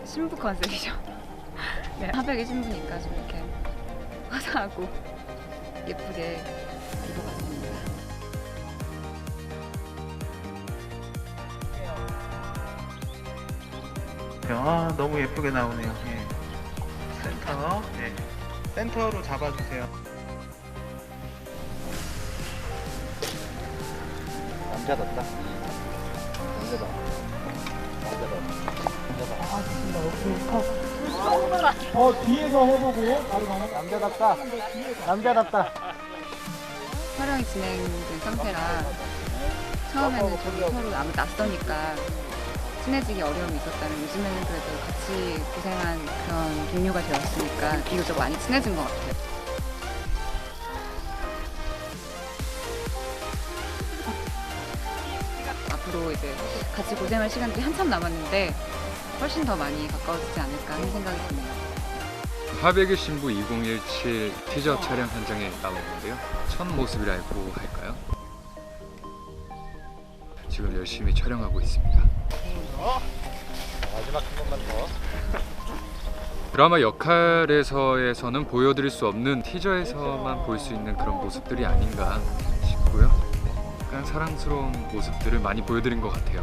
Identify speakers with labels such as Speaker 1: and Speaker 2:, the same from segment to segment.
Speaker 1: 신부 컨셉이죠. 네, 하백이 신부니까 좀 이렇게 화사하고 예쁘게 입어봤습니다.
Speaker 2: 아, 너무 예쁘게 나오네요. 예. 센터, 네. 센터로 잡아주세요.
Speaker 3: 남자답다. 남자다.
Speaker 4: 뒤에서 해보고 바로 가면
Speaker 3: 남자답다. 남자답다.
Speaker 1: 촬영이 진행된 상태라 처음에는 좀 서로 아무 낯서니까 친해지기 어려움이 있었다면 요즘에는 그래도 같이 고생한 그런 동료가 되었으니까 비교적 많이 친해진 것 같아요. 앞으로 이제 같이 고생할 시간들이 한참 남았는데 훨씬 더 많이 가까워지지 않을까 하는 생각이 드네요.
Speaker 5: 하백의 신부 2017 티저 촬영 현장에 나와 있는데요. 첫 모습이라고 할까요? 지금 열심히 촬영하고 있습니다.
Speaker 3: 마지막 한 번만 더.
Speaker 5: 드라마 역할에서는 보여드릴 수 없는 티저에서만 볼 수 있는 그런 모습들이 아닌가 싶고요. 약간 사랑스러운 모습들을 많이 보여드린 것 같아요.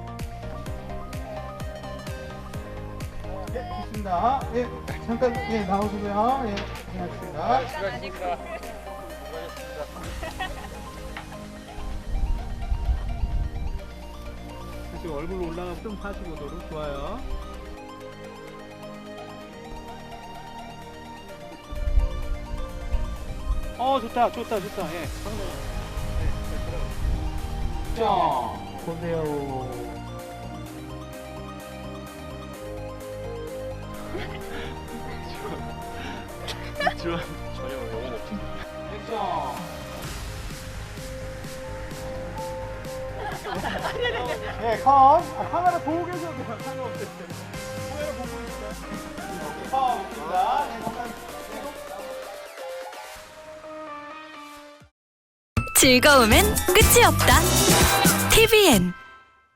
Speaker 4: 예, 좋습니다. 예, 잠깐 예 나오시고요. 예, 고생하셨습니다.
Speaker 3: 수고하셨습니다.
Speaker 4: 다시 얼굴 올라가고 좀 45도로 좋아요.
Speaker 3: 좋다. 예.
Speaker 4: 자, 보세요.
Speaker 3: 전혀 영혼 없지.
Speaker 4: 액션. 네, 컷. 카메라 보고 계셔도 돼요. 상관없어요. 카메라 보고 있어요. 컷. 있습니다. 네, 잠깐.
Speaker 6: 즐거움엔 끝이 없다. TVN